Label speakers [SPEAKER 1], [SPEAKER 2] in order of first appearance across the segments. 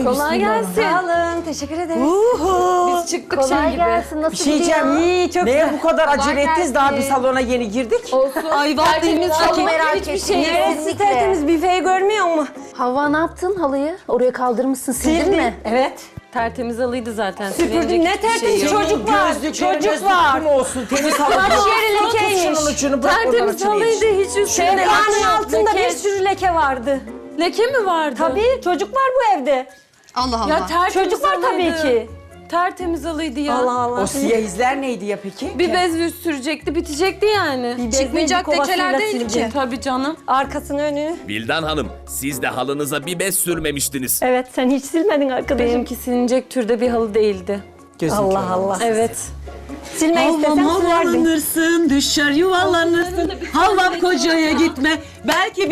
[SPEAKER 1] Kolay gelsin.
[SPEAKER 2] Sağ olun, teşekkür ederiz.
[SPEAKER 1] Biz çıktık
[SPEAKER 3] Kolay
[SPEAKER 1] şey gibi.
[SPEAKER 3] gelsin. Nasıl
[SPEAKER 4] Bir şey diyeceğim.
[SPEAKER 2] İyi, çok
[SPEAKER 4] Neye
[SPEAKER 2] güzel.
[SPEAKER 4] bu kadar acele
[SPEAKER 3] Kolay
[SPEAKER 4] ettiniz? Daha bir
[SPEAKER 3] gelsin.
[SPEAKER 4] salona yeni girdik.
[SPEAKER 1] Olsun.
[SPEAKER 2] Ay vallahi
[SPEAKER 3] Çok merak
[SPEAKER 1] hiçbir
[SPEAKER 3] ettim.
[SPEAKER 1] şey yok.
[SPEAKER 2] Neresi
[SPEAKER 3] Kesinlikle.
[SPEAKER 2] tertemiz, büfeyi görmüyor mu?
[SPEAKER 3] Havva ne yaptın halıyı? Oraya kaldırmışsın, sildin mi?
[SPEAKER 2] Evet.
[SPEAKER 1] Tertemiz halıydı zaten.
[SPEAKER 2] Süpürdüm,
[SPEAKER 1] silinecek
[SPEAKER 2] ne
[SPEAKER 1] hiçbir şey
[SPEAKER 2] tertemiz
[SPEAKER 1] yok.
[SPEAKER 2] çocuk var. Çocuk var.
[SPEAKER 4] Kim olsun? Temiz halı.
[SPEAKER 2] Baş yeri
[SPEAKER 4] Tut
[SPEAKER 2] lekeymiş.
[SPEAKER 4] şunun ucunu bırak oradan
[SPEAKER 1] Tertemiz
[SPEAKER 4] açılayım.
[SPEAKER 1] halıydı hiç üstüne
[SPEAKER 2] Şevkanın
[SPEAKER 1] leke,
[SPEAKER 2] altında bir
[SPEAKER 1] leke.
[SPEAKER 2] sürü leke vardı.
[SPEAKER 1] Leke mi vardı?
[SPEAKER 2] Tabii, çocuk var bu evde.
[SPEAKER 5] Allah Allah.
[SPEAKER 1] Ya tertemiz
[SPEAKER 2] Çocuk var tabii
[SPEAKER 1] halıydı.
[SPEAKER 2] ki.
[SPEAKER 1] Tertemiz halıydı ya.
[SPEAKER 2] Allah Allah.
[SPEAKER 4] O siyah izler neydi ya peki?
[SPEAKER 1] Bir bez yüz sürecekti, bitecekti yani.
[SPEAKER 2] Bir bez
[SPEAKER 5] Çıkmayacak
[SPEAKER 2] neydi, kovasıyla
[SPEAKER 5] lekeler değil
[SPEAKER 2] sildim.
[SPEAKER 5] ki.
[SPEAKER 1] Tabii canım.
[SPEAKER 2] Arkasını önünü.
[SPEAKER 6] Vildan Hanım, siz de halınıza bir bez sürmemiştiniz.
[SPEAKER 2] Evet, sen hiç silmedin arkadaşım.
[SPEAKER 1] Benimki silinecek türde bir halı değildi.
[SPEAKER 4] Gözün
[SPEAKER 2] Allah
[SPEAKER 4] kör.
[SPEAKER 2] Allah.
[SPEAKER 1] Evet.
[SPEAKER 2] Silmek istesem silerdim.
[SPEAKER 7] Havalanırsın, düşer yuvarlanırsın. Havam kocaya gitme. Belki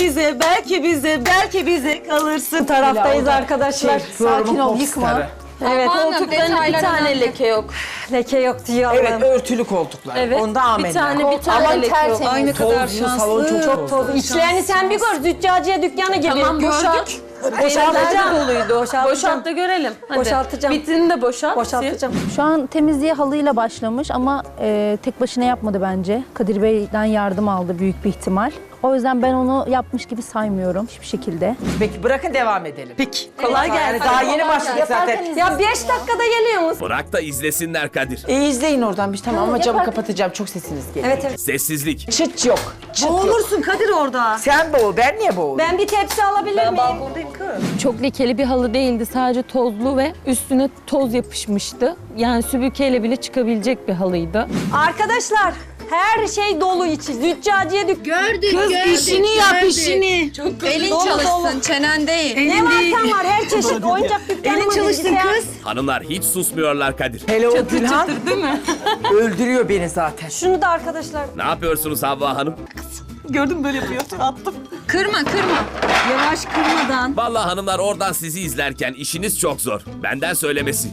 [SPEAKER 7] bize kalırsın.
[SPEAKER 2] Bu taraftayız arkadaşlar.
[SPEAKER 3] Sakin ol, yıkma.
[SPEAKER 2] Evet,
[SPEAKER 1] Koltuklarında bir tane leke yok.
[SPEAKER 2] leke yok diyor
[SPEAKER 4] Evet,
[SPEAKER 2] Allah'ım.
[SPEAKER 4] örtülü koltuklar.
[SPEAKER 1] Evet.
[SPEAKER 4] Onda amenna.
[SPEAKER 1] Bir tane
[SPEAKER 3] Aman
[SPEAKER 1] leke yok.
[SPEAKER 3] tertemiz.
[SPEAKER 5] Aynı kadar
[SPEAKER 4] Tozlu, salon
[SPEAKER 5] şanslı.
[SPEAKER 4] çok tozlu.
[SPEAKER 2] İçlerini sen bir gör, züccaciye dükkanı gibi.
[SPEAKER 1] Tamam gördük.
[SPEAKER 2] Boşaltacağım.
[SPEAKER 1] Doluydu. Boşalt da görelim. Hadi.
[SPEAKER 2] Boşaltacağım.
[SPEAKER 1] Vitrini de boşalt.
[SPEAKER 2] Boşaltacağım.
[SPEAKER 3] Şu an temizliğe halıyla başlamış ama tek başına yapmadı bence. Kadir Bey'den yardım aldı büyük bir ihtimal. O yüzden ben onu yapmış gibi saymıyorum hiçbir şekilde.
[SPEAKER 4] Peki bırakın devam edelim.
[SPEAKER 7] Peki.
[SPEAKER 4] Kolay gelsin. Daha yeni başladık zaten.
[SPEAKER 2] Ya 5 dakikada geliyor musun?
[SPEAKER 6] Bırak da izlesinler Kadir.
[SPEAKER 4] İzleyin oradan bir tamam ama camı kapatacağım. Çok sesiniz geliyor.
[SPEAKER 2] Evet evet.
[SPEAKER 6] Sessizlik.
[SPEAKER 4] Çıt yok. Çıt yok.
[SPEAKER 7] Boğulursun Kadir orada.
[SPEAKER 4] Sen boğul, ben niye boğulayım?
[SPEAKER 2] Ben bir tepsi alabilir miyim?
[SPEAKER 1] Çok lekeli bir halı değildi. Sadece tozlu ve üstüne toz yapışmıştı. Yani süpürgeyle bile çıkabilecek bir halıydı.
[SPEAKER 2] Arkadaşlar her şey dolu içi. Züccaciye dükkanı.
[SPEAKER 5] Gördük,
[SPEAKER 7] Kız
[SPEAKER 5] gördük,
[SPEAKER 7] işini yap
[SPEAKER 5] gördük.
[SPEAKER 7] işini.
[SPEAKER 5] Elin
[SPEAKER 2] Dolu,
[SPEAKER 5] çalışsın,
[SPEAKER 2] dolu.
[SPEAKER 5] çenen değil.
[SPEAKER 2] Ne varsa var her çeşit oyuncak dükkanı
[SPEAKER 7] Elin
[SPEAKER 2] mı,
[SPEAKER 7] çalışsın
[SPEAKER 2] bilgisayar?
[SPEAKER 7] kız.
[SPEAKER 6] Hanımlar hiç susmuyorlar Kadir.
[SPEAKER 4] Hele o Gülhan
[SPEAKER 1] Değil mi?
[SPEAKER 4] öldürüyor beni zaten.
[SPEAKER 2] Şunu da arkadaşlar.
[SPEAKER 6] Ne yapıyorsunuz Havva Hanım?
[SPEAKER 7] Gördün böyle yapıyor. Attım.
[SPEAKER 5] Kırma, kırma.
[SPEAKER 7] Yavaş kırmadan.
[SPEAKER 6] Vallahi hanımlar oradan sizi izlerken işiniz çok zor. Benden söylemesi.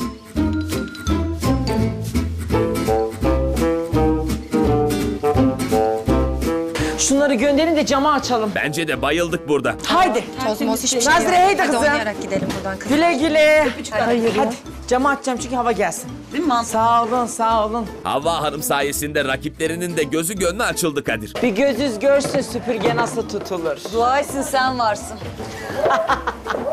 [SPEAKER 4] Şunları gönderin de camı açalım.
[SPEAKER 6] Bence de bayıldık burada.
[SPEAKER 4] Haydi.
[SPEAKER 5] Toz moz hiçbir şey
[SPEAKER 4] Nazire,
[SPEAKER 5] yok.
[SPEAKER 4] haydi
[SPEAKER 5] Hadi
[SPEAKER 4] kızım.
[SPEAKER 5] oynayarak gidelim buradan kızım.
[SPEAKER 4] Güle güle.
[SPEAKER 3] Hayır ya.
[SPEAKER 4] Hadi camı açacağım çünkü hava gelsin.
[SPEAKER 7] Değil mi mantıklı?
[SPEAKER 4] Sağ olun, sağ olun.
[SPEAKER 6] Havva Hanım sayesinde rakiplerinin de gözü gönlü açıldı Kadir.
[SPEAKER 4] Bir gözünüz görsün süpürge nasıl tutulur.
[SPEAKER 5] Dua etsin sen varsın.